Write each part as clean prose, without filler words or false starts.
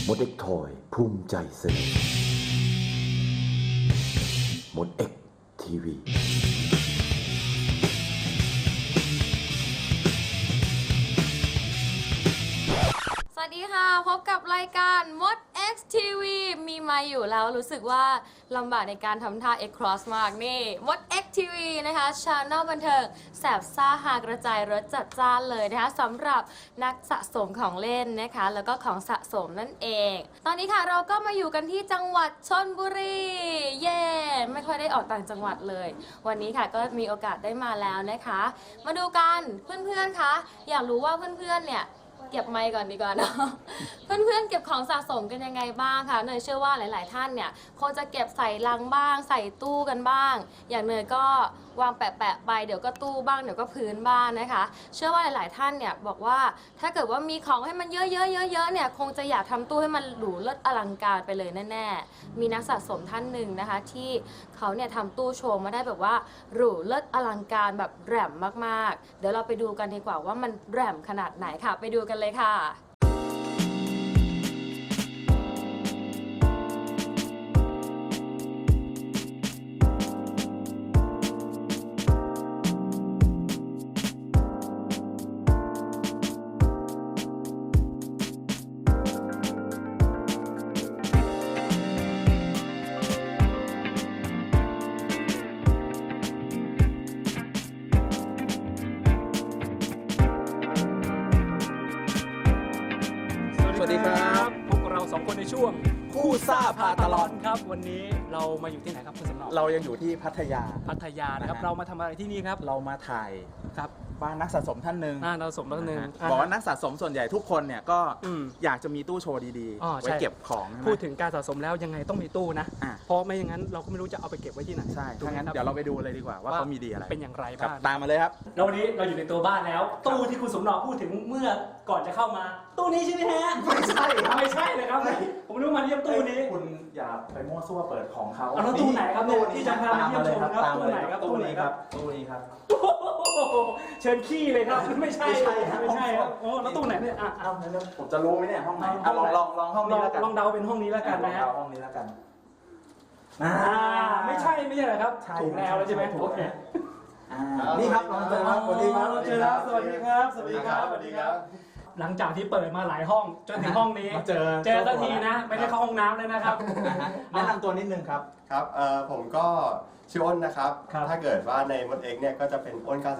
มดเอ็กทอยภูมิใจเสนอมดเอ็กทีวีสวัสดีค่ะพบกับรายการมด X TV มีมาอยู่แล้วรู้สึกว่าลำบากในการทำท่า X Cross มากนี่มด X TV นะคะชาแนลบันเทิงแสบซ่าหากระจายรสจัดจ้านเลยนะคะสำหรับนักสะสมของเล่นนะคะแล้วก็ของสะสมนั่นเองตอนนี้ค่ะเราก็มาอยู่กันที่จังหวัดชลบุรีเย่ไม่ค่อยได้ออกต่างจังหวัดเลยวันนี้ค่ะก็มีโอกาสได้มาแล้วนะคะมาดูกันเพื่อนๆคะอยากรู้ว่าเพื่อนๆเนี่ยเก็บไมค์ก่อนดีกว่าเนาะ เพื่อนๆเก็บของสะสมกันยังไงบ้างคะเนยเชื่อว่าหลายๆท่านเนี่ยคงจะเก็บใส่ลังบ้างใส่ตู้กันบ้างอย่างเนยก็วางแปะๆไปเดี๋ยวก็ตู้บ้างเดี๋ยวก็พื้นบ้างนะคะเชื่อว่าหลายๆท่านเนี่ยบอกว่าถ้าเกิดว่ามีของให้มันเยอะๆเนี่ยคงจะอยากทำตู้ให้มันหรูเลิศอลังการไปเลยแน่ๆมีนักสะสมท่านหนึ่งนะคะที่เขาเนี่ยทำตู้โชว์มาได้แบบว่าหรูเลิศอลังการแบบแหลมมากๆเดี๋ยวเราไปดูกันดีกว่าว่ามันแหลมขนาดไหนค่ะไปดูกันเลยค่ะสวัสดีครับพวกเราสองคนในช่วงคู่ซ่าพาตลอดครับวันนี้เรามาอยู่ที่ไหนครับคุณสำเนาเรายังอยู่ที่พัทยาพัทยานะครับเรามาทำอะไรที่นี่ครับเรามาถ่ายครับบ้านนักสะสมท่านหนึ่งเราสมแล้วหนึ่งบอกว่านักสะสมส่วนใหญ่ทุกคนเนี่ยก็อืมอยากจะมีตู้โชว์ดีอ๋อๆใช่ไว้เก็บของใช่ไหมพูดถึงการสะสมแล้วยังไงต้องมีตู้นะอ่ะเพราะไม่อย่างนั้นเราก็ไม่รู้จะเอาไปเก็บไว้ที่ไหนใช่ถูกถ้าไหมงั้นครับเดี๋ยวเราไปดูเลยดีกว่าว่าเขามีดีอะไรเป็นอย่างไรครับบ้างตามมาเลยครับแล้ววันนี้เราอยู่ในตัวบ้านแล้ว ตู้ที่คุณสมเนาพูดถึงเมื่อก่อนจะเข้ามา ตู้นี้ใช่ไหมฮะไม่ใช่ครับไม่ใช่เลยครับผมนึกว่ามาเยี่ยมตู้นี้คุณอย่าไปมั่วซั่วเปิดของเขาเอาแล้วตู้ไหนครับเนี่ยที่จะพามาเยี่ยมชมครับตามมาเลยครับตู้ตู้ไหนนี้คครัรับ บตู้นี้ครับเชิญขี้เลยครับไม่ใช่ไม่ใช่ครับไม่ใช่ครับโอ้แล้วตู้ไหนเนี่ยเอาแล้วผมจะรู้ไหมเนี่ยห้องไหนห้องไหนลองห้องนี้แล้วกันลองเดาเป็นห้องนี้แล้วกันนะฮะลองเดาห้องนี้แล้วกันไม่ใช่เหรอครับใช่ถูกแนวแล้วใช่ไหมถูกโอเคนี่ครับลองเจอครับสวัสดีครับเจอครับสวัสดีครับสวัสดีครับสวัสดีครับหลังจากที่เปิดมาหลายห้องจนถึงห้องนี้มาเจอสักทีนะไม่ได้เข้าห้องน้ำเลยนะครับแนะนำตัวนิดนึงครับครับผมก็ชื่ออ้นนะครับครับถ้าเกิดว่าในมดเอ็กเนี่ยก็จะเป็นอ้น 99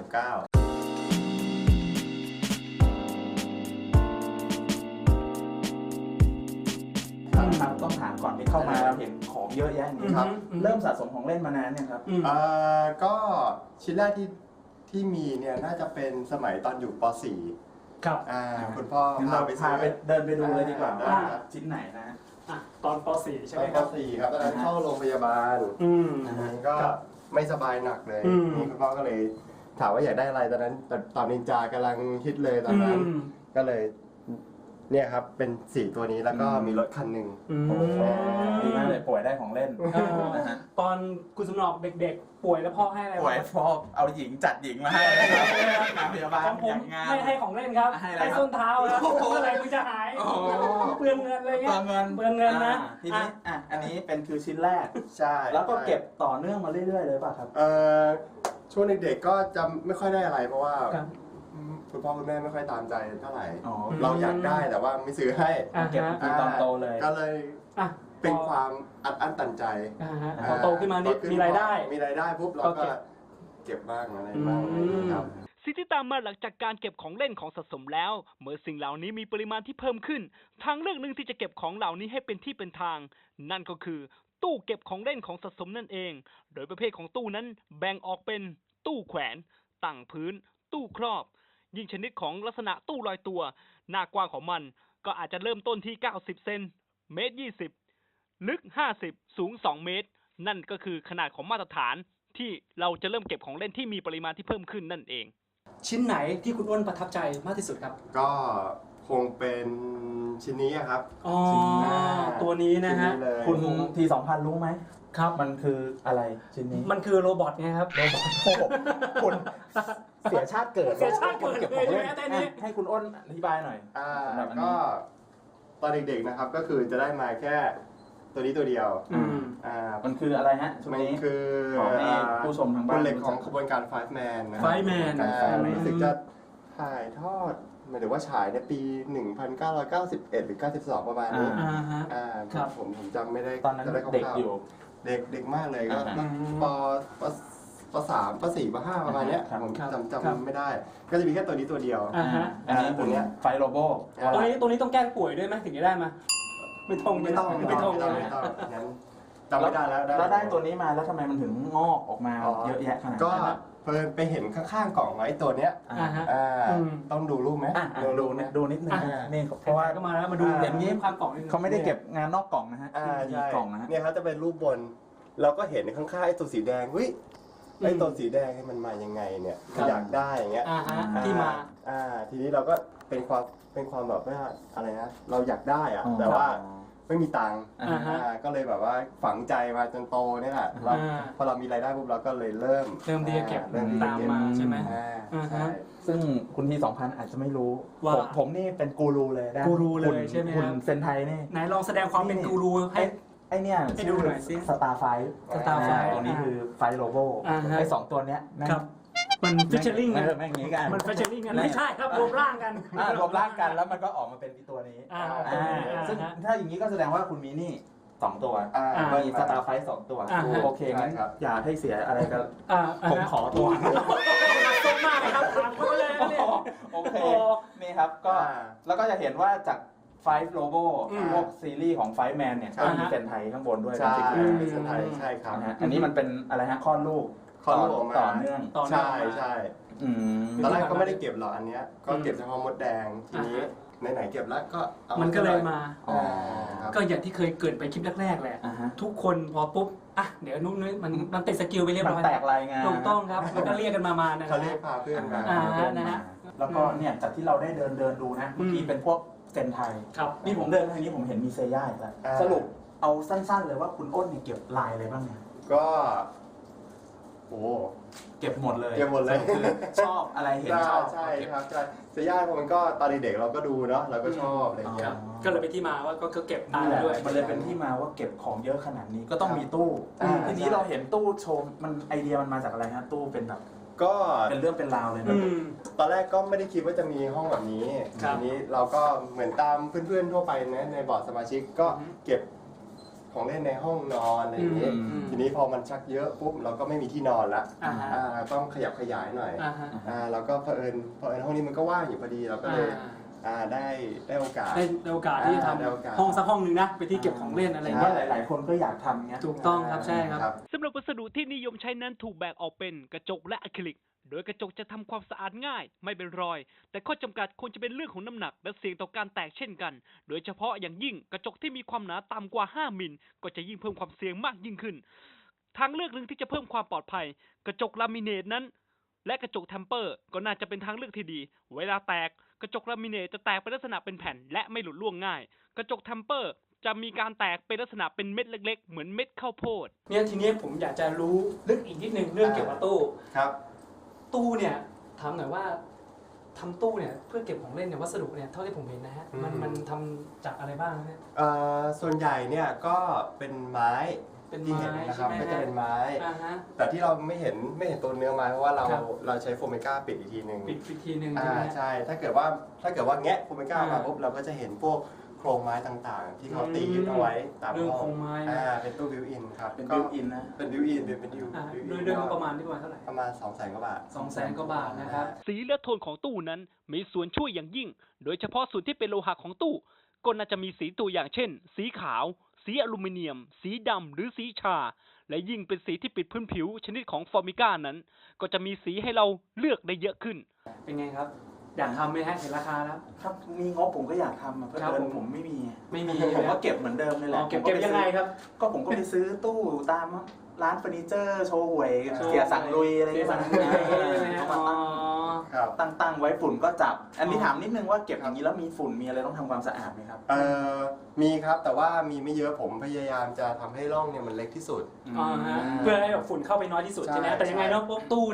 ครับต้องถามก่อนที่เข้ามาเห็นของเยอะแยะอย่างนี้ครับ เริ่มสะสมของเล่นมานานเนี่ยครับก็ชิ้นแรกที่มีเนี่ยน่าจะเป็นสมัยตอนอยู่ป .4 ครับคุณพ่องั้นพาเราไปพาไปเดินไปดูเลยดีกว่าได้ว่าครับชิ้นไหนนะตอนป .4 ใช่ตไหอมนคปรับ .4 ครับตอนนั้นเข้าโรงพยาบาล ก็ครับไม่สบายหนักเลยอืมนี่คุณพ่อก็เลยถามว่าอยากได้อะไรตอนนั้นตอนนินจากำลังฮิตเลยตอนนั้น ก็เลยเนี่ยครับเป็น4ตัวนี้แล้วก็มีรถคันหนึ่งโอ้โหดีมากเลยป่วยได้ของเล่นนะฮะตอนคุณสมนอกเด็กๆ ป่วยแล้วพ่อให้อะไรป่วยพ่อเอาหญิงจัดหญิงมาให้นะครับงานพยาบาลของผมอย่างงานไม่ให้ของเล่นครับให้อะไรครับส้นเท้าครับโอ้โหเมื่อไหร่มึงจะหายโอ้โหเปลืองเงินอะไรเงี้ยเงินเปลืองเงินนะทีนี้อันนี้เป็นคือชิ้นแรกใช่แล้วก็เก็บต่อเนื่องมาเรื่อยๆเลยป่ะครับช่วงเด็กๆก็จะไม่ค่อยได้อะไรเพราะว่าครับคุณพ่อคุณแม่ไม่ค่อยตามใจเท่าไหร่อ๋อเราอยากได้แต่ว่าไม่ซื้อให้เก็บทีตอนโตเลยก็เลยอ่ะเป็นความอัดอั้นตันใจพอโตขึ้นมานี่มีรายได้มีรายได้ปุ๊บเราก็ก็เก็บบ้างอะไรบ้างครับสิ่งที่ตามมาหลังจากการเก็บของเล่นของสะสมแล้ว เมื่อสิ่งเหล่านี้มีปริมาณที่เพิ่มขึ้น ทางเลือกหนึ่งที่จะเก็บของเหล่านี้ให้เป็นที่เป็นทาง นั่นก็คือ ตู้เก็บของเล่นของสะสมนั่นเอง โดยประเภทของตู้นั้นแบ่งออกเป็นตู้แขวนตั้งพื้น ตู้ครอบ ยิ่งชนิดของลักษณะตู้ลอยตัว หน้ากว้างของมันก็อาจจะเริ่มต้นที่90 เซนเมตร 20 ลึก 50 สูง 2 เมตร นั่นก็คือขนาดของมาตรฐานที่เราจะเริ่มเก็บของเล่นที่มีปริมาณที่เพิ่มขึ้นนั่นเองชิ้นไหนที่คุณอ้นประทับใจมากที่สุดครับก็คงเป็นชิ้นนี้อะครับอ๋อชิ้นแรกตัวนี้นะฮะชิ้เลยคุณที2,000รู้ไหมครับมันคืออะไรชิ้นนี้มันคือโรบอทไงครับโอ้โหคุณเสียชาติเกิดเสียชาติเกิดเก็บของเล่นเลยใช่ไหมแต่นี้ให้คุณอ้นอธิบายหน่อยอ่าสำหรับอันนี้ก็ตอนเด็กๆนะครับก็คือจะได้มาแค่ตัวนี้ตัวเดียวมันคืออะไรฮะชุดมันนี้คือขอให้ผู้ชมทางบ้านบุลเล็ตของขบวนการ Five Man นะ Five Man รู้สึกจะถ่ายทอดหมายถึงว่าฉายในปี 1991 หรือ 92 ประมาณนี้ครับผมจำไม่ได้ตอนนั้นจะได้คร่าวๆเด็กอยู่เด็กมากเลยก็อ่าปสามปสี่ปห้าประมาณเนี้ยครับผมครับจำไม่ได้ ก็จะมีแค่ตัวนี้ตัวเดียวอันนี้ตัวเนี้ยไฟโลโบตรงนี้ต้องแกล้งป่วยด้วยไหมถึงจะได้มาไม่ต้องไม่ต้อง งั้นจำไม่ได้แล้วแล้วได้ตัวนี้มาแล้วทำไมมันถึงงอกออกมาเยอะแยะขนาดก็นั้นเพิ่นไปเห็นข้างๆกล่องไว้ตัวเนี้ย ต้องดูรูปไหมดูนิดนึงอ่านี่เพเพราะราะว่าว่าก็มาแล้วมาดูอย่างนี้ความกล่องเขาไม่ได้เก็บงานนอกกล่องนะฮะมีใช่กล่องนะฮะเนี่ยครับจะเป็นรูปบน เราก็เห็นข้างๆไอ้ตัวสีแดงเฮ้ยไอ้ตัวสีแดงให้มันมายังไงเนี่ยอยากได้อย่างเงี้ยที่มาทีนี้เราก็เป็นความแบบว่าอะไรนะเราอยากได้อะแต่ว่าไม่มีตังค์ก็เลยแบบว่าฝังใจมาจนโตเนี่ยแหละแล้วพอเรามีรายได้ปุ๊บเราก็เลยเริ่มที่จะเก็บเริ่มที่จะตามเก็บมาใช่ไหมใช่ซึ่งคุณที2,000อาจจะไม่รู้ว่าผมนี่เป็นกูรูเลยนะกูรูเลยใช่ไหมฮะคุณเซนไทยนี่ไหนลองแสดงความเป็นกูรูให้ไอเนี่ยให้ดูหน่อยสิสตาร์ไฟ Starfire ตัวนี้คือไฟโลโบฮะไอ2ตัวเนี้ยแม่งครับมันฟิชเชอร์ลิงแม่งอย่างงี้กันมันฟิชเชอร์ลิงกันไม่ใช่ครับรวมร่างกันรวมร่างกันแล้วมันก็ออกมาเป็นตัวนี้ ซึ่งถ้าอย่างนี้ก็แสดงว่าคุณมีนี่2 ตัวมีสตาร์ไฟ2 ตัวโอเคงั้นอย่าให้เสียอะไรกันผมขอตัวต้นมากครับถามเขาเลยเนี่ยโอเคนี่ครับก็แล้วก็จะเห็นว่าจากFive Logo พวกซีรีส์ของ Five Man เนี่ยก็มีเซนไทยข้างบนด้วยใช่เป็นเป็นไทยใช่ครับนะฮะอันนี้มันเป็นอะไรฮะคลอดลูกคลอดลูกออกมาต่อเนื่องใช่ใช่ ตอนแรกอืมก็ไม่ได้เก็บหรอกอันเนี้ยก็เก็บเฉพาะมดแดงทีนี้ไหนๆเก็บแล้วก็เอามันก็เลยมาครับก็อย่างที่เคยเกริดไปคลิปแรกๆแหละ ทุกคนพอปุ๊บเดี๋ยวนู้นมันติดสกิลไปเรียบมันร้อยแตกลายงานถูกต้องครับแล้วก็เรียกกันมานะคเขารับเรียกพาเพื่อนมานะฮะแล้วก็เนี่ยจากที่เราได้เดินดูนะเมื่อกี้เป็นพวกเซนไทยครับนี่ผมเดินทางนี้ผมเห็นมีเซย่าอีกแล้วสรุปเอาสั้นๆเลยว่าคุณอ้นเนี่ยเก็บลายอะไรบ้างเนี่ยก็โอ้เก็บหมดเลยเก็บหมดเลยคือชอบอะไรเห็นชอบใช่ครับใช่เซย่าเพราะมันก็ตอนเด็กๆเราก็ดูเนาะเราก็ชอบอะไรเงี้ครัยบก็เลยเป็นที่มาว่าก็เก็บตามนี่แหละด้วยมันเลยเป็นที่มาว่าเก็บของเยอะขนาดนี้ก็ต้องมีตู้ ทีนี้เราเห็นตู้โชว์มันไอเดียมันมาจากอะไรฮะตู้เป็นแบบก็เป็นเรื่องเป็นราวเลยนะตอนแรกก็ไม่ได้คิดว่าจะมีห้องแบบนี้ครับทีนี้เราก็เหมือนตามเพื่อนๆทั่วไปนะในบอร์ดสมาชิกก็เก็บของเล่นในห้องนอนอะไรอย่างนี้ ทีนี้พอมันชักเยอะปุ๊บเราก็ไม่มีที่นอนละต้องขยับขยายหน่อยเราก็เผอิญห้องนี้มันก็ว่างอยู่พอดีเราก็เลยได้โอกาสได้โอกาสที่จะทได้โอกาสำห้องสักห้องหนึ่งนะไปที่เก็บของเล่นอะไรว่าเงี้ยหลายๆคนก็อยากทำเงี้ยถูกต้องครับใช่ครับสำหรับวัสดุที่นิยมใช้นั้นถูกแบ่งออกเป็นกระจกและอะคริลิก โดยกระจกจะทำความสะอาดง่าย ไม่เป็นรอย แต่ข้อจำกัดควรจะเป็นเรื่องของน้ำหนักและเสี่ยงต่อการแตกเช่นกัน โดยเฉพาะอย่างยิ่งกระจกที่มีความหนาต่ำกว่า 5 มิลก็จะยิ่งเพิ่มความเสี่ยงมากยิ่งขึ้น ทางเลือกหนึ่งที่จะเพิ่มความปลอดภัย กระจกลามิเนตนั้น และกระจกเทมเปอร์ก็น่าจะเป็นทางเลือกที่ดี เวลาแตกกระจกลามิเนตจะแตกเป็นลักษณะเป็นแผ่นและไม่หลุดร่วงง่าย กระจกเทมเปอร์จะมีการแตกเป็นลักษณะเป็นเม็ดเล็กๆเหมือนเม็ดข้าวโพดเนี่ยทีนี้ผมอยากจะรู้ลึกอีกนิดนึงเรื่องเกี่ยวกับตู้ครับตู้เนี่ยถามหน่อยว่าทำตู้เนี่ยเพื่อเก็บของเล่นเนี่ยวัสดุเนี่ยเท่าที่ผมเห็นนะฮะมันทำจากอะไรบ้างเนี่ยส่วนใหญ่เนี่ยก็เป็นไม้เป็นที่ไม้เห็นนะครับใช่ไหมก็จะเป็นไม้ แต่ที่เราไม่เห็นตัวเนื้อไม้เพราะว่าเราใช้โฟมเมก้าปิดอีกทีหนึ่งปิดอีกทีหนึ่งใช่ไหมใช่ถ้าเกิดว่าแงะโฟมเมก้ามาปุ๊บเราก็จะเห็นพวกโครงไม้ต่างๆ ที่เขาตียึดเอาไว้ตามเรื่องห้โคอรง งไม้เป็นตู้บิวอินครับเป็นบิวอินนะเป็นบิวอินเป็นบิวด้วยงบประมาณที่ประมาณเท่าไหร่ประมาณ 200,000 กว่าบาท 200,000 กว่าบาทนะครับสีและโทนของตู้นั้นมีส่วนช่วยอย่างยิ่ง โดยเฉพาะส่วนที่เป็นโลหะของตู้ก็น่าจะมีสีตัวอย่างเช่น สีขาว สีอลูมิเนียม สีดำหรือสีชา และยิ่งเป็นสีที่ปิดพื้นผิวชนิดของฟอร์มิก้านั้น ก็จะมีสีให้เราเลือกได้เยอะขึ้นเป็นไงครับ อยากทำไหมฮะเห็นราคาแล้วครับมีงบผมก็อยากทำเพื่อครับเดินผมไม่มีไม่มีผมก็เก็บเหมือนเดิมเลยแหละเก็บยังไงครับก็ผมก็ไปซื้อตู้ตามร้านเฟอร์นิเจอร์โชว์หวยเสียสั่งลุยอะไรอย่างเงี้ยครับตั้งไว้ฝุ่นก็จับ อันนี้ถามนิดนึงว่าเก็บอย่างนี้แล้วมีฝุ่นมีอะไรต้องทำความสะอาดไหมครับมีครับแต่ว่ามีไม่เยอะผมพยายามจะทำให้ร่องเนี่ยมันเล็กที่สุดเพื่อให้แบบฝุ่นเข้าไปน้อยที่สุดใช่ไหมใช่แต่ยังไงเนาะพวกตู้นะ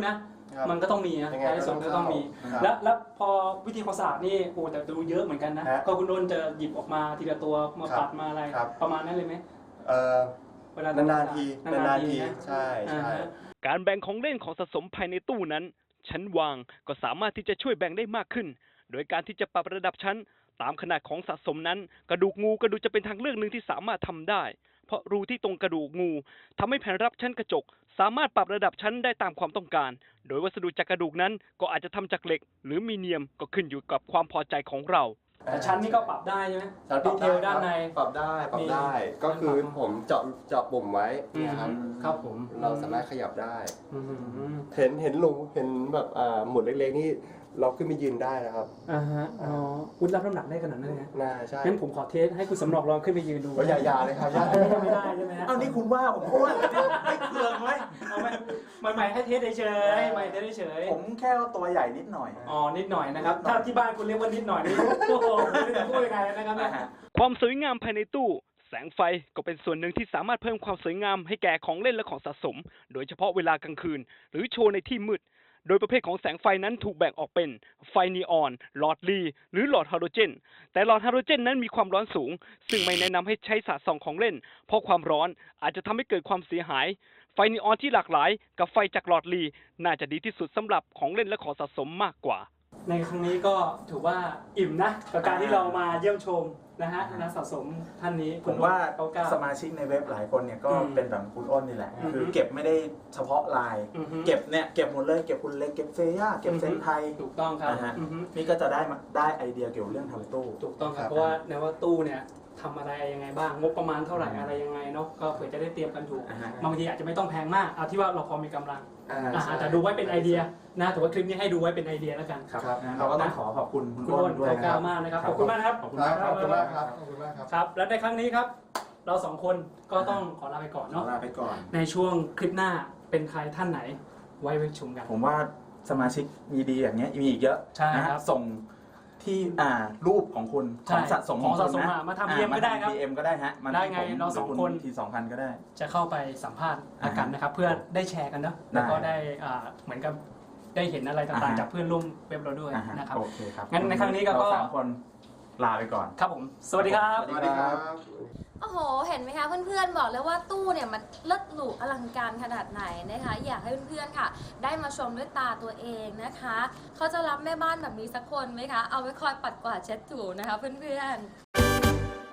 ครับมันก็ต้องมีนะยังไงท้ายสุดก็ต้องมีครับแล้วพอวิธีความสะอาดนี่โอ้แต่ดูเยอะเหมือนกันนะ ก็คุณโดนจะหยิบออกมาทีละตัวมาปัดมาอะไร ประมาณนั้นเลยไหม เวลานานๆทีนานๆทีนะใช่ใช่การแบ่งของเล่นของสะสมภายในตู้นั้น ชั้นวางก็สามารถที่จะช่วยแบ่งได้มากขึ้น โดยการที่จะปรับระดับชั้นตามขนาดของสะสมนั้น กระดูกงูก็ดูจะเป็นทางเลือกหนึ่งที่สามารถทำได้ เพราะรูที่ตรงกระดูกงูทำให้แผ่นรับชั้นกระจก สามารถปรับระดับชั้นได้ตามความต้องการ โดยวัสดุจากกระดูกนั้นก็อาจจะทำจากเหล็ก หรือมีเนียมก็ขึ้นอยู่กับความพอใจของเราแต่ชั้นนี่ก็ปรับได้ใช่ไหมชั้นปดีรับเทลด้านในปรับได้ปรับได้ ก็คือผมเจาะปุ่มไว้เนี่ยครับครับผมเราสามารถขยับได้อืมเห็นรูเห็นแบบหมุดเล็กๆนี่เราขึ้นไปยืนได้นะครับฮะอ๋อคุณรับน้ำหนักได้ขนาดนั้นเลยนะน่าใช่งั้นผมขอเทสให้คุณสำรองลองขึ้นไปยืนดูก็อย่าเลยครับอย่าไม่ได้ใช่ไหมฮะเอานี่คุณว่าผมอ้วนไม่เคืองไหมเอาไหมใหม่ๆให้เทสเฉยๆใหม่เทสเฉยๆผมแค่ตัวใหญ่นิดหน่อยอ๋อ นิดหน่อยนะครับ ถ้าที่บ้านคุณเรียกว่านิดหน่อยนี่ โอ้โหไม่รู้จะพูดยังไงนะครับเนี่ยความสวยงามภายในตู้ แสงไฟก็เป็นส่วนหนึ่งที่สามารถเพิ่มความสวยงามให้แก่ของเล่นและของสะสม โดยเฉพาะเวลากลางคืน หรือโชว์ในที่มืด โดยประเภทของแสงไฟนั้นถูกแบ่งออกเป็นไฟนีออน หลอดลี หรือหลอดฮาโลเจน แต่หลอดฮาโลเจนนั้นมีความร้อนสูง ซึ่งไม่แนะนำให้ใช้สาดส่องของเล่น เพราะความร้อนอาจจะทำให้เกิดความเสียหาย ไฟนีออนที่หลากหลายกับไฟจากหลอดลี น่าจะดีที่สุดสำหรับของเล่นและของสะสมมากกว่าในครั้งนี้ก็ถือว่าอิ่มนะกับการที่เรามาเยี่ยมชมนะฮะนักสะสมท่านนี้ผมว่าเขากล้าสมาชิกในเว็บหลายคนเนี่ยก็อืมเป็นแบบคุณอ้นนี่แหละอือฮึคือเก็บไม่ได้เฉพาะลายอือฮึเก็บหมดเลย เก็บคุณเล็ก เก็บเฟย่า เก็บเซนไทยถูกต้องครับนะฮะอือฮึนี่ก็จะได้ไอเดียเกี่ยวกับเรื่องทำตู้ถูกต้องครับครับเพราะว่าในว่าตู้เนี่ยทำอะไรยังไงบ้าง งบประมาณเท่าไหร่อะไรยังไงเนาะ ก็เผื่อจะได้เตรียมกันถูกอ่าฮะบางทีอาจจะไม่ต้องแพงมาก เอาที่ว่าเราพอมีกำลังใช่แต่ดูไว้เป็นไอเดียนะถือว่าคลิปนี้ให้ดูไว้เป็นไอเดียแล้วกันครับครับนะเราก็ต้องขอบคุณคุณคุณอ้อ้นนด้วยเขานะกคล้ารับมากนะครับ ขอบคุณมากนะครับขอบคุณคมารักบคขรัอบบคุณมากครับขอบคุณมากครับครับ และในครั้งนี้ครับ เราสองคนก็ต้องขอลาไปก่อนขอเนาะลาไปก่อนในช่วงคลิปหน้าเป็นใครท่านไหนไว้ชมกันผมว่าสมาชิกมีดีอย่างเงี้ยมีอีกเยอะใช่นะครับ ส่งที่รูปของคุณใช่ของสะสมของสะสมคุณนมาทำ PM ก็ได้ครับ PM ก็ได้ฮะมาได้ไงที่ผมเราสองหคนที2,000 ก็ได้จะเข้าไปสัมภาษณ์กันนะครับ เพื่อได้แชร์กันเนาะแล้วก็ได้เหมือนกับได้เห็นอะไรต่างอ่าๆฮะจากเพื่อนร่วมเว็บเราด้วยอ่าฮะนะครับโอเคครับงั้นในครั้งนี้ก็เราสามคนลาไปก่อนครับผม สวัสดีครับสวัสดีครับโอ้โห เห็นไหมคะเพื่อนๆ บอกเลยว่าตู้เนี่ยมันเลิศหรูอลังการขนาดไหนนะคะ อยากให้เพื่อนๆ ค่ะ ได้มาชมด้วยตาตัวเองนะคะ เขาจะรับแม่บ้านแบบนี้สักคนไหมคะ เอาไว้คอยปัดกวาดเช็ดถูนะคะเพื่อนๆ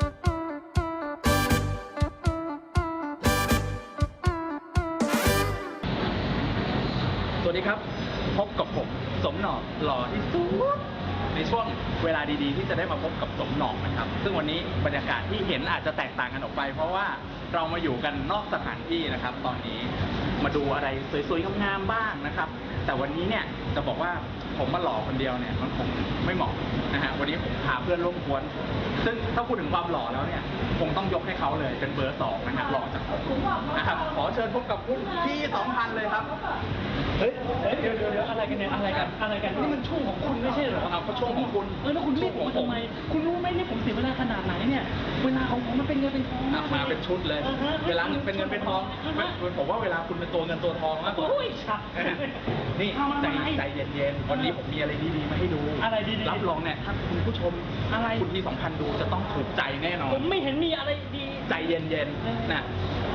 สวัสดีครับ พบกับผมสมหน่อหล่อที่สุดในช่วงเวลาดีๆ ที่จะได้มาพบกับสมหน่อนะครับ ซึ่งวันนี้บรรยากาศที่เห็นอาจจะแตกต่างกันออกไป เพราะว่าเรามาอยู่กันนอกสถานที่นะครับ ตอนนี้มาดูอะไรสวยๆงามๆบ้างนะครับ แต่วันนี้เนี่ยจะบอกว่าผมมาหล่อคนเดียวเนี่ยมันคงไม่เหมาะนะฮะวันนี้ผมพาเพื่อนร่วมกวนซึ่งถ้าพูดถึงความหล่อแล้วเนี่ยคงต้องยกให้เขาเลยเป็นเบอร์ 2นะฮะหล่อจากผมนะครับขอเชิญพบกับคุณพี่2,000เลยครับเฮ้ยเดี๋ยวอะไรกันเนี่ยอะไรกันนี่มันช่วงของคุณไม่ใช่เหรอครับก็ช่วงของคุณแล้วคุณเรียกผมมาทำไมคุณรู้ไหมเนี่ยผมเสียเวลาขนาดไหนเนี่ยเวลาของผมมันเป็นเงินเป็นทองมาเป็นชุดเลย เวลาเป็นเงินเป็นทองผมว่าเวลาคุณเป็นตัวเงินตัวทองมากกว่าโอ้ยชักนี่ใจเย็นๆวันนี้ผมมีอะไรดีๆมาให้ดูอะไรดีๆรับรองเนี่ยถ้าคุณผู้ชมอะไรคุณที่2,000ดูจะต้องถูกใจแน่นอนผมไม่เห็นมีอะไรดีใจเย็นๆน่ะ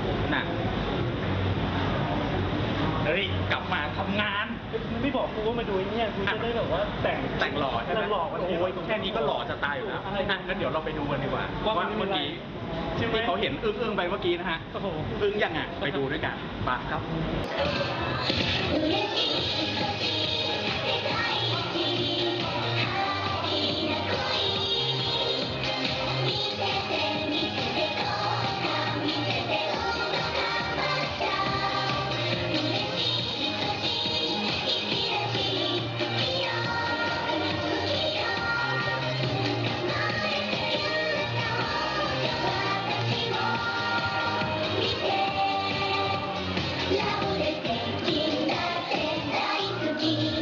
เฮ้ยกลับมาทำงานไม่บอกกูว่ามาดูเนี่ยกูจะได้แบบว่าแต่งหล่อใช่ไหมหล่อกันโอ้ยแค่นี้ก็หล่อจะตายอยู่แล้วอะไรงั้นเดี๋ยวเราไปดูกันดีกว่าว่าเมื่อกี้ใช่ไหมที่เขาเห็นอึ้งๆไปเมื่อกี้นะฮะโอ้โหอึ้งยังอ่ะไปดูด้วยกันไปครับラブレテキンだって大好き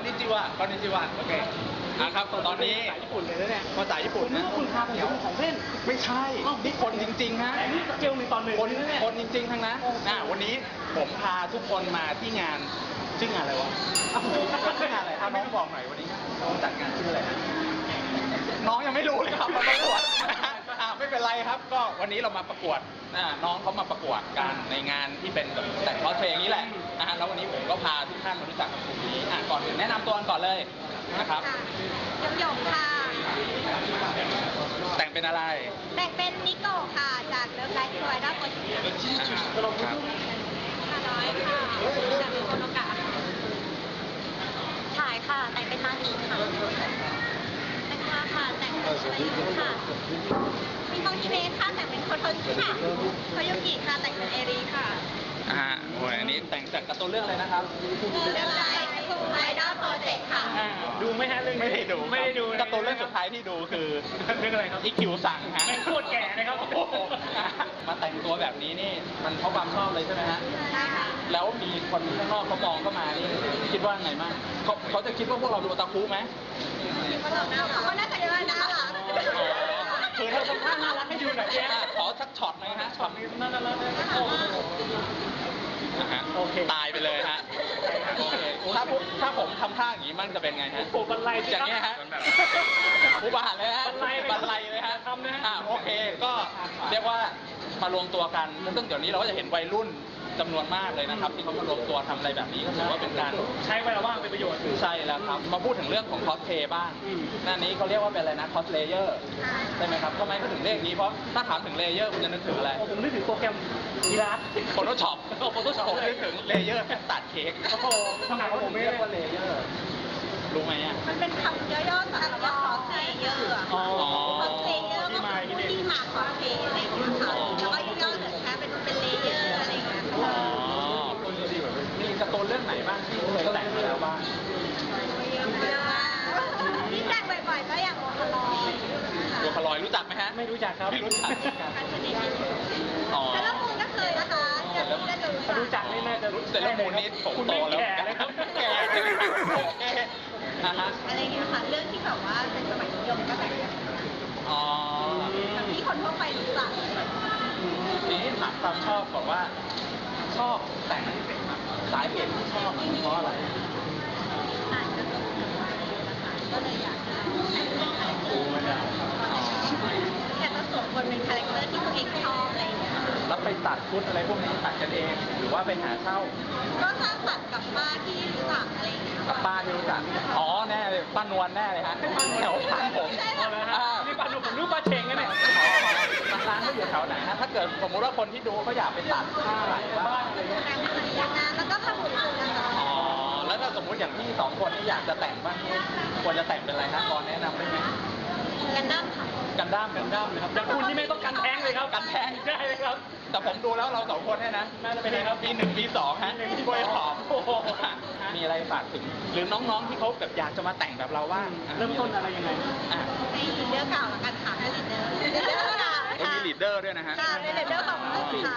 นิจิวะคอนนิจิวะโอเคครับตอนนี้ภาษาญี่ปุ่นเลยนะเนี่ยภาษาญี่ปุ่นนึกนะว่าคุณพาผมไปดูของเล่นไม่ใช่นี่คนจริงๆฮะแต่นี่สเกลหนึ่งต่อหนึ่งคนเลยนะเนี่ยคนจริงๆทั้งนั้นวันนี้ผมพาทุกคนมาที่งานชื่องานอะไรวะชื่องานอะไรถ้าน้องบอกหน่อยวันนี้น้องจัดงานชื่ออะไรนะน้องยังไม่รู้เลยครับมาประกวดไม่เป็นไรครับ ก็วันนี้เรามาประกวดน้องเขามาประกวดกันในงานที่เป็นแบบแต่งคอสเพลย์อย่างนี้แหละแล้ววันนี้ผมก็พาทุกท่านมารู้จักกับกลุ่มนี้ก่อนอื่นแนะนำตัวกันก่อนเลยนะครับหยงค่ะแต่งเป็นอะไรแต่งเป็นนิโกะค่ะ จากเลิฟไลฟ์สไวด้าโปรเจกต์ครับค่ะน้อยค่ะจากโคโนกะถ่ายค่ะ แต่งเป็นมานีค่ะแต่งมาค่ะ แต่งเป็นอะไรค่ะมีมองฮิเมะค่ะ แต่งเป็นโคโทชิค่ะโคโยกิค่ะ แต่งเป็นเอรีค่ะโอ้ยอันนี้แต่งจากการ์ตูนเรื่องอะไรนะครับเลิฟไลฟ์สไวด้าโปรเจกต์ค่ะดูไหมฮะเรื่องนี้ไม่ได้ดูไม่ได้ดูการ์ตูนเรื่องสุดท้ายที่ดูคือเรื่องอะไรครับอีคิวสั่งฮะแม่งโคตรแก่นะครับโอ้โหมาแต่งตัวแบบนี้นี่มันเพราะความชอบเลยใช่ไหมฮะใช่ค่ะแล้วมีคนข้างนอกเขามองเข้ามานี่คิดว่าไงบ้างเขาจะคิดว่าพวกเราดูโอตาคุไหมเขาก็น่าจะเยอะนะคะคือถ้าทำท่าน่ารักให้ดูหน่อยสิขอสักช็อตหน่อยฮะช็อตนี้น่ารักโอเคตายไปเลยฮะโอเคถ้าผมทำท่าอย่างนี้มั่งจะเป็นไงฮะโอ้บรรลัยสิอย่างครับเงี้ยฮะอุบาทเลยฮะบรรลัยเลยบรรลัยเลยฮะทำนะฮะโอเคก็เรียกว่ามารวมตัวกันซึ่งเดี๋ยวนี้เราก็จะเห็นวัยรุ่นจำนวนมากเลยนะครับที่เขามารวมตัวทำอะไรแบบนี้ก็ถือว่าเป็นการใช้เวลาว่างเป็นประโยชน์ใช่แล้วครับมาพูดถึงเรื่องของคอสเพลย์บ้างหน้านี้เขาเรียกว่าเป็นอะไรนะคอสเลเยอร์ใช่ไหมครับทำไมเขาถึงเรียกนี้เพราะถ้าถามถึงเลเยอร์คุณจะนึกถึงอะไรผมนึกถึงโปรแกรมกีฬาโฟโต้ช็อปผมนึกถึงเลเยอร์ตัดเค้กโอ้โหขนาดผมไม่เรีได้ยกว่าเลเยอร์รู้ไหมอ่ะมันเป็นคำย่อๆสำหรับว่าคอสเพลเยอร์อะอ๋อคอสเพลเยอร์ก็คือผู้ที่มาคอสเพลย์อะไรอย่างเงี้ยค่ะแล้วก็ย่อๆเหมือนแค่เป็นเลเยอร์อะไรอย่างเงี้ยอ๋อมีการ์ตูนเรื่องไหนบ้างที่เคยแต่งมาแล้วบ้างที่แต่งบ่อยๆก็อย่างโอคาลอยตัวคลอยรู้จักไหมฮะไม่รู้จักครับไม่รู้จักพันชนิดอ๋อแต่ละมูลก็เคยนะคะจะรู้ถ้ารู้จักนี่น่าจะรู้แต่ละมูลนี้ผมคุณโตไม่แล้วแก่เลยครับแก่ฮะอะไรอย่างเงี้ยค่ะ เรื่องที่แบบว่าเป็นสมัยนิยมก็แต่งกันอ๋อแบบที่คนทั่วไปรู้จักทีนี้ถามความชอบก่อนว่า ชอบแต่งสาเหตุที่ชอบเพราะอะไรอ่านการ์ตูนนะคะก็เลยอยากจะแต่งเป็นคาแรคเตอร์อยากจะสวมบทเป็นคาแรคเตอร์ที่ตัวเองชอบอะไรอย่างเงี้ยค่ะแล้วไปตัดชุดอะไรพวกนี้ตัดกันเอง หรือว่าไปหาเช่าก็สร้างสรรค์กับป้าที่รู้จักอะไรอย่างเงี้ยกับป้าที่รู้จักอ๋อแน่เลยป้านวลแน่เลยฮะแถวบ้านผมเอาเลยฮะนี่ปลาดุกผมรู้ปลาเชงกันเนี่ยร้านเขาอยู่แถวไหนฮะถ้าเกิดสมมติว่าคนที่ดูเขาอยากไปตัดผ้าอะไรบ้างอะไรเงี้ยแต่งเหมือนกันนะแล้วก็ขมุนคุณนะคะอ๋อแล้วถ้าสมมติอย่างพี่สองคนที่อยากจะแต่งบ้างควรจะแต่งเป็นอะไรฮะก่อนแนะนำได้ไหมกันดั้มค่ะกันด้ามเหมือนด้ามเลยครับอย่างคุณนี่ไม่ต้องกันแท้งเลยครับกันแท้งได้เลยครับแต่ผมดูแล้วเราสองคนเนี่ยนะน่าจะเป็นไงครับปีหนึ่งปีสองฮะปีหนึ่งปีกล้วยหอมโอ้โหมีอะไรฝากถึง หรือน้องๆที่เขาแบบอยากจะมาแต่งแบบเราว่างเริ่มต้นอะไรยังไงอ่ะในลีดเดอร์เก่าแล้วกันค่ะให้ลีดเดอร์ค่ะก็มีลีดเดอร์ด้วยนะฮะค่ะเป็นลีดเดอร์ของเราค่ะ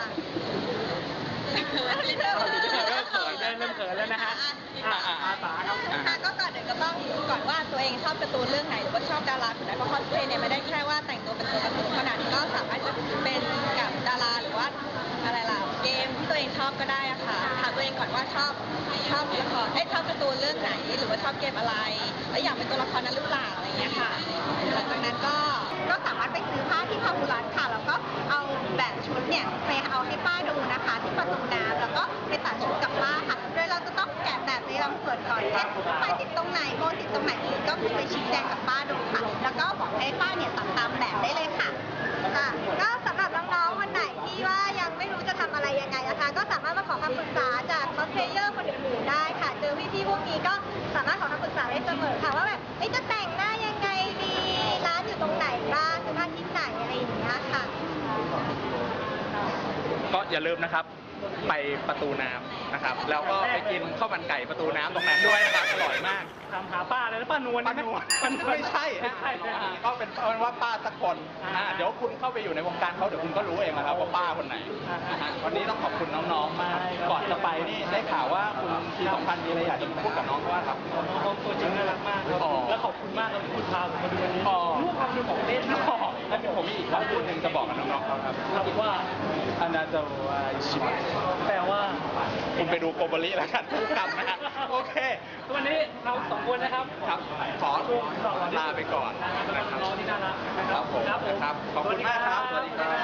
ลีดเดอร์เริ่มเขินแล้วนะฮะอาสาครับค่ะก็ก่อนอื่นก็ต้องดูก่อนว่าตัวเองชอบการ์ตูนเรื่องไหนหรือว่าชอบดาราคนไหนเพราะคอสเพลย์เนี่ยไม่ได้แค่ว่าแต่งตัวเป็นตัวการ์ตูนเท่านั้นก็สามารถจะเป็นกับดาราหรือว่าอะไรล่ะเกมที่ตัวเองชอบก็ได้อะค่ะถามตัวเองก่อนว่าชอบละครชอบการ์ตูนเรื่องไหนหรือว่าชอบเกมอะไรแล้วอยากเป็นตัวละครนั้นหรือเปล่าอะไรอย่างเงี้ยค่ะหลังจากนั้นก็สามารถไปซื้อผ้าที่พาหุรัตค่ะแล้วก็เอาแบบชุดเนี่ยไปเอาให้ป้าดูนะคะที่ประตูน้ำแล้วก็ไปตัดชุดกับป้าค่ะโดยเราจะต้องแกะแบบในลำส่วนก่อนเช่นไฟติดตรงไหนโบติดตรงไหนก็คือไปชี้แจงกับป้าดูค่ะ แล้วก็บอกให้ป้าเนี่ยตัดตามแบบได้เลยค่ะก็สำหรับน้องๆวันไหนที่ว่ายังไม่รู้จะทำอะไรยังไงนะคะก็สามารถมาขอคำปรึกษาจากคอสเพลเยอร์คนอื่นๆได้ค่ะเจอพี่ๆพวกนี้ก็สามารถขอคำปรึกษาได้เสมอค่ะว่าแบบจะแต่งหน้ายังไงดีร้านอยู่ตรงไหนบ้างซื้อผ้าที่ไหนอะไรอย่างเงี้ยค่ะก็อย่าลืมนะครับ ไปประตูน้ำนะครับแล้วก็ไปกินข้าวมันไก่ประตูน้ำตรงนั้นด้วยนะครับอร่อยมากถามหาป้าเลยนะป้านวลป้านวลไม่ใช่ฮะก็เป็นว่าป้าสักคนเดี๋ยวคุณเข้าไปอยู่ในวงการเขาเดี๋ยวคุณก็รู้เองนะครับว่าป้าคนไหนนะฮะวันนี้ต้องขอบคุณน้องๆมากก่อนจะไปนี่ได้ข่าวว่าคุณที2,000มีอะไรอยากจะพูดกับน้องเขาว่าครับน้องเขาตัวจริงน่ารักมากครับและขอบคุณมากครับที่คุณพาผมมาดูวันนี้รู้ความเป็นของเล่นนะแล้วผมมีอีกคำพูดหนึ่งจะบอกกับน้องๆเขาครับว่าอนาโตวาชิมะแปลว่าคุณไปดูโกโบริแล้วกันทุกคำนะฮะโอเควันนี้เรา2 คนนะครับครับขอลาไปก่อนนะครับน้องที่น่ารักนะคครัรับบผมนะครับขอบคุณมากครับสวัสดีครับ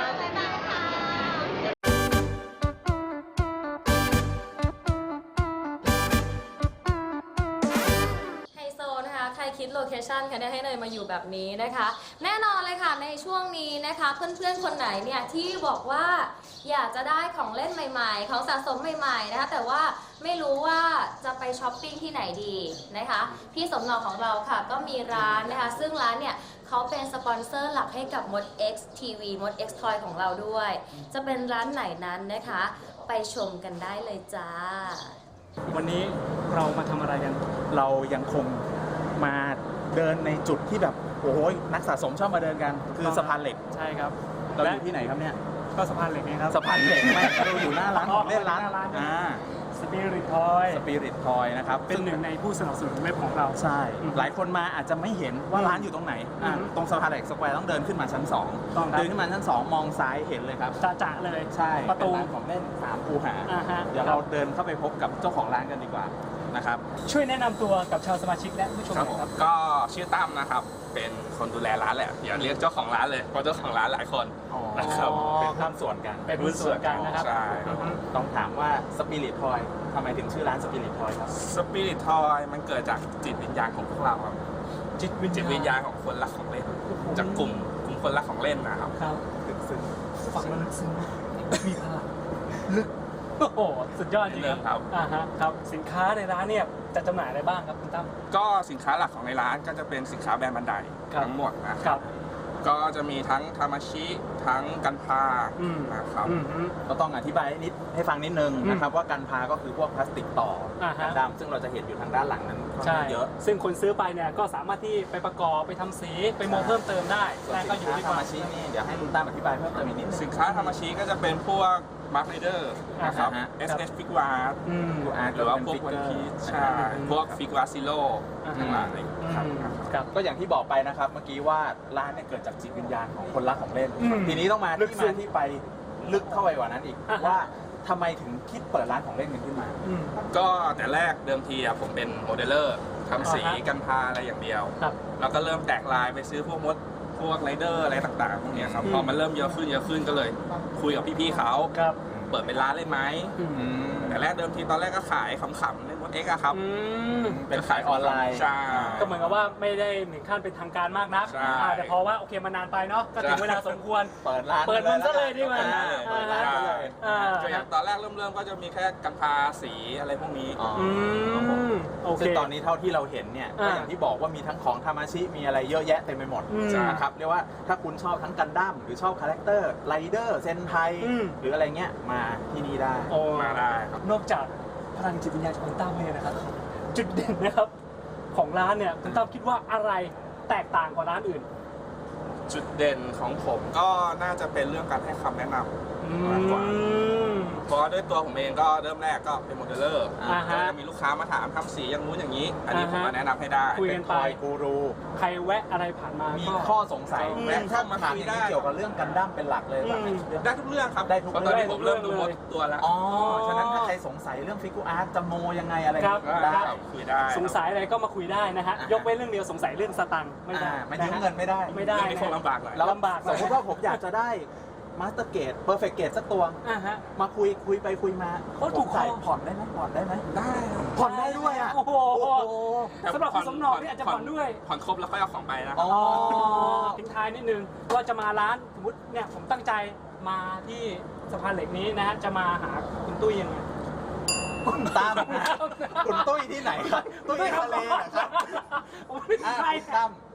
ไฮโซนะคะใครคิดโลเคชันคะเนี่ยให้เนยมาอยู่แบบนี้นะคะ แน่นอนเลยค่ะในช่วงนี้นะคะเพื่อนๆคนไหนเนี่ยที่บอกว่าอยากจะได้ของเล่นใหม่ๆของสะสมใหม่ๆนะคะแต่ว่าไม่รู้ว่าจะไปช้อปปิ้งที่ไหนดีนะคะพี่สมหนอของเราค่ะก็มีร้านนะคะซึ่งร้านเนี่ยเขาเป็นสปอนเซอร์หลักให้กับ Mod X TV Mod X Toy ของเราด้วย จะเป็นร้านไหนนั้นนะคะไปชมกันได้เลยจ้าวันนี้เรามาทำอะไรกันเรายังคงมาเดินในจุดที่แบบโอ้ยนักสะสมชอบมาเดินกันคือสะพานเหล็กใช่ครับเราอยู่ที่ไหนครับเนี่ยก็สะพานเหล็กนี่ครับสะพานเหล็กไม่เราอยู่หน้าร้านของเล่นร้านสปิริตทอยสปิริตทอยนะครับเป็นหนึ่งในผู้สนับสนุนเว็บของเราใช่หลายคนมาอาจจะไม่เห็นว่าร้านอยู่ตรงไหนตรงสะพานเหล็กสแควร์ต้องเดินขึ้นมาชั้น2เดินขึ้นมาชั้น2มองซ้ายเห็นเลยครับจะเลยใช่ประตูเป็นร้านของเล่น3คูหาฮะเดี๋ยวเราเดินเข้าไปพบกับเจ้าของร้านกันดีกว่านะครับช่วยแนะนำตัวกับชาวสมาชิกและผู้ชมหน่อยครับก็ชื่อตั้มนะครับ เป็นคนดูแลร้านแหละอย่าเรียกเจ้าของร้านเลยเพราะเจ้าของร้านหลายคนนะครับเป็นหุ้นส่วนกันเป็นหุ้นส่วนกันนะครับใช่ครับต้องถามว่าสปิริตทอยทำไมถึงชื่อร้านสปิริตทอยครับสปิริตทอยมันเกิดจากจิตวิญญาณของพวกเราครับจิตวิญญาณของคนรักของเล่น จากกลุ่มคนรักของเล่นนะครับครับลึกซึ้งฟังแล้วลึกซึ้งมีพลังลึกโอ้โหสุดยอดจริงครับ ครับสินค้าในร้านเนี่ยจะจำหน่ายอะไรบ้างครับคุณตั้มก็สินค้าหลักของในร้านก็จะเป็นสินค้าแบรนด์บันไดทั้งหมดนะคครัรับ บก็จะมีทั้งทามาชิทั้งกันพานะครับก็ต้องอธิบายนิดให้ฟังนิดนึงนะครับว่ากันพาก็คือพวกพลาสติกต่อกันดำซึ่งเราจะเห็นอยู่ทางด้านหลังนั้นค่อนข้างเยอะซึ่งคนซื้อไปเนี่ยก็สามารถที่ไปประกอบไปทำสีไปโมเพิ่มเติมได้ส่วนแต่สิก็นอยู่ค้าที่ทามาชินี่เดี๋ยวให้คุณตั้มอธิบายเพิ่มเติมอีกนิดนึงสินค้าทามาชิก็จะเป็นพวกมาร์คไรเดอร์นะครับ SS ฟิกวาร์หรือว่าพวกวันพีชใช่พวกฟิกวาซิโลทั้งหลายครับก็อย่างที่บอกไปนะครับเมื่อกี้ว่าร้านเนี่ยเกิดจากจิตวิญญาณของคนรักของเล่น ทีนี้ต้องมาที่ไปลึกเข้าไปกว่านั้นอีกว่าทำไมถึงคิดเปิดร้านของเล่นกันขึ้นมาก็แต่แรกเดิมทีผมเป็นโมเดลเลอร์ทำสีกันพาอะไรอย่างเดียว แล้วก็เริ่มแตกลายไปซื้อพวกไรเดอร์อะไรต่างๆพวกนี้ครับพอมันเริ่มเยอะขึ้นก็เลยคุยกับพี่ๆเขาเปิดเป็นร้านเลยไหมแต่แรกเดิมทีตอนแรกก็ขายขำๆเล่นมดเอ็กซ์ครับเป็นขายออนไลน์ใช่ก็เหมือนกับว่าไม่ได้ถึงขั้นเป็นทางการมากนักแต่พอว่าโอเคมานานไปเนาะก็ถึงเวลาสมควรเปิดร้านเปิดมันซะเลยดีกว่าก็อย่างตอนแรกเริ่มก็จะมีแค่กันพาสีอะไรพวกนี้ซึ่งตอนนี้เท่าที่เราเห็นเนี่ยก็อย่างที่บอกว่ามีทั้งของทามาชิมีอะไรเยอะแยะเต็มไปหมดนะครับเรียกว่าถ้าคุณชอบทั้งกันดั้มหรือชอบคาแรคเตอร์ไรเดอร์เซนไทหรืออะไรเงี้ยมาที่นี่ได้มาได้ครับนอกจากพลังจิตวิญญาณของคุณตั้มเนี่ยนะครับจุดเด่นนะครับของร้านเนี่ยคุณตั้มคิดว่าอะไรแตกต่างกว่าร้านอื่นจุดเด่นของผมก็น่าจะเป็นเรื่องการให้คำแนะนำมากกว่าเพราะด้วยตัวผมเองก็เริ่มแรกก็เป็นโมเดลเลอร์ก็จะมีลูกค้ามาถามทำสีอย่างนู้นอย่างนี้อันนี้ผมมาแนะนำให้ได้เป็นคอยกูรูใครแวะอะไรผ่านมามีข้อสงสัยแวะเข้ามาถามอย่างนี้เกี่ยวกับเรื่องกันดั้มเป็นหลักเลยได้ทุกเรื่องครับได้ทุกเรื่องตอนนี้ผมเริ่มดูหมดตัวแล้วฉะนั้นถ้าใครสงสัยเรื่องฟิกูอาร์ตจะโมยังไงอะไรได้คุยได้สงสัยอะไรก็มาคุยได้นะฮะยกเว้นเรื่องเดียวสงสัยเรื่องสตังค์ไม่ได้ไม่ยืมเงินไม่ได้คงลำบากหน่อยลำบากสมมติว่าผมอยากจะได้มาสเตอร์เกตเพอร์เฟกต์เกตสักตัวมาคุยไปคุยมาถูกใจผ่อนได้ไหมผ่อนได้ไหมได้ผ่อนได้ด้วยอ่ะโอ้โหสำหรับคุณสมนอกนี่อาจจะผ่อนด้วยผ่อนครบแล้วค่อยเอาของไปนะทิ้งท้ายนิดนึงว่าจะมาร้านสมมติเนี่ยผมตั้งใจมาที่สะพานเหล็กนี้นะฮะจะมาหาคุณตุ้ยยังไงคุณตั้มคุณตุ้ยที่ไหนครับตุ้ยทะเลเหรอครับไม่ใช่ตั้ม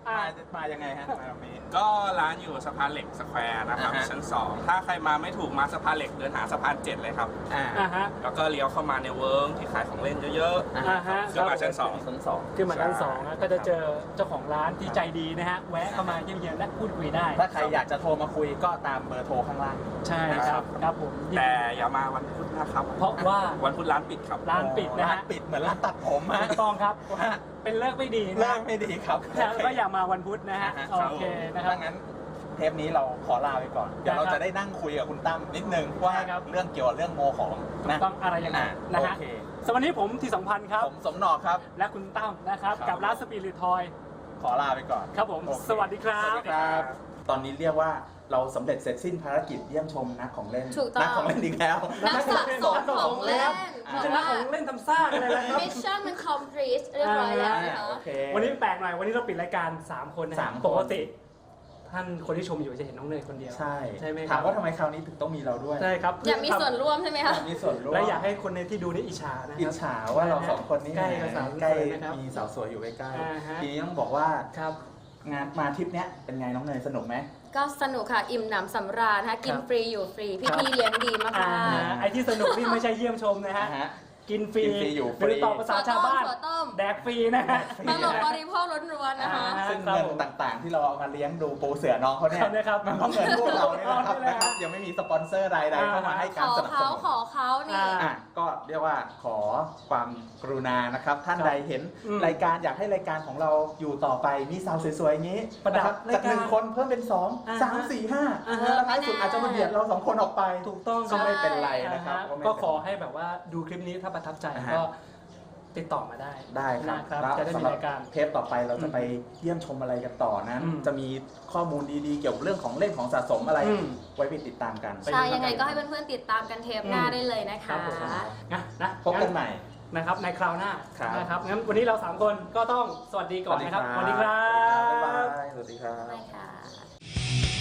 มายังไงฮะมาตรงนี้ก็ร้านอยู่สะพานเหล็กสแควร์นะครับชั้น 2 ถ้าใครมาไม่ถูกมาสะพานเหล็กเดินหาสะพาน 7 เลยครับ แล้วก็เลี้ยวเข้ามาในเวิร์กที่ขายของเล่นเยอะๆขึ้นมาชั้น 2 ขึ้นมาชั้น2นะก็จะเจอเจ้าของร้านที่ใจดีนะฮะแวะเข้ามาเยี่ยมๆและพูดคุยได้ถ้าใครอยากจะโทรมาคุยก็ตามเบอร์โทรข้างล่างใช่ครับครับผมแต่อย่ามาวันพุธนะครับเพราะว่าวันพุธร้านปิดครับร้านปิดนะฮะปิดเหมือนร้านตัดผมฮะถูกต้องครับเป็นเลิกไม่ดีนะเลิกไม่ดีครับแล้วก็อย่ามาวันพุธนะฮะโอเคนะครับงั้นเทปนี้เราขอลาไปก่อนเดี๋ยวเราจะได้นั่งคุยกับคุณตั้มนิดนึงว่าเรื่องเกี่ยวกับเรื่องโมของนะต้องอะไรยังไงนะฮะสวัสดีผมที่สัมพันธ์ครับผมสมหนอกครับและคุณตั้มนะครับกับร้านสปิริตทอยขอลาไปก่อนครับผมสวัสดีครับตอนนี้เรียกว่าเราสำเร็จเสร็จสิ้นภารกิจเยี่ยมชมนักของเล่นนักของเล่นอีกแล้วนักสะสมของเล่นจะนักของเล่นทำซ่าอะไรแล้วครับมิชชั่นมัน complete เรียบร้อยแล้วนะคะวันนี้แปลกหน่อยวันนี้เราปิดรายการ3คนนะปกติท่านคนที่ชมอยู่จะเห็นน้องเนยคนเดียวใช่ใช่ไหมถามว่าทำไมคราวนี้ถึงต้องมีเราด้วยใช่ครับอยากมีส่วนร่วมใช่ไหมคะมีส่วนร่วมและอยากให้คนในที่ดูนี่อิจฉานะอิจฉาว่าเรา2คนนี้ใกล้มีสาวสวยอยู่ใกล้ๆทีนี้ต้องบอกว่าครับงานมาทริปเนี้ยเป็นไงน้องเนยสนุกไหมก็สนุกค่ะอิ่มหนำสำราญนะคะกินฟรีอยู่ฟรีพี่ๆเลี้ยงดีมากๆไอ้ที่สนุกนี่ไม่ใช่เยี่ยมชมนะฮะกินฟรีอยู่ฟรีหรือต่อภาษาชาวบ้านแดกฟรีนะฮะตลกบริโภคล้วนๆนะคะซึ่งเงินต่างๆที่เราเอามาเลี้ยงดูปูเสือน้องเขาเนี่ยมันก็เงินพวกเราเนี่ยนะครับยังไม่มีสปอนเซอร์ใดๆเข้ามาให้การสนับสนุนขอเขานี่ก็เรียกว่าขอความกรุณานะครับท่านใดเห็นรายการอยากให้รายการของเราอยู่ต่อไปมีสาวสวยๆอย่างนี้นะครับจาก1คนเพิ่มเป็น2 3 4 5แล้วท้ายสุดอาจจะมาเบียดเรา2คนออกไปถูกต้องก็ไม่เป็นไรนะครับก็ขอให้แบบว่าดูคลิปนี้ถ้าประทับใจก็ติดต่อมาได้ครับจะได้มีรายการเทปต่อไปเราจะไปเยี่ยมชมอะไรกันต่อนั้นจะมีข้อมูลดีๆเกี่ยวกับเรื่องของเล่นของสะสมอะไรไว้ไปติดตามกันใช่ยังไงก็ให้เพื่อนๆติดตามกันเทปหน้าได้เลยนะคะนะพบกันใหม่นะครับในคราวหน้านะครับงั้นวันนี้เรา3คนก็ต้องสวัสดีก่อนนะครับสวัสดีครับบ๊ายบายสวัสดีครับ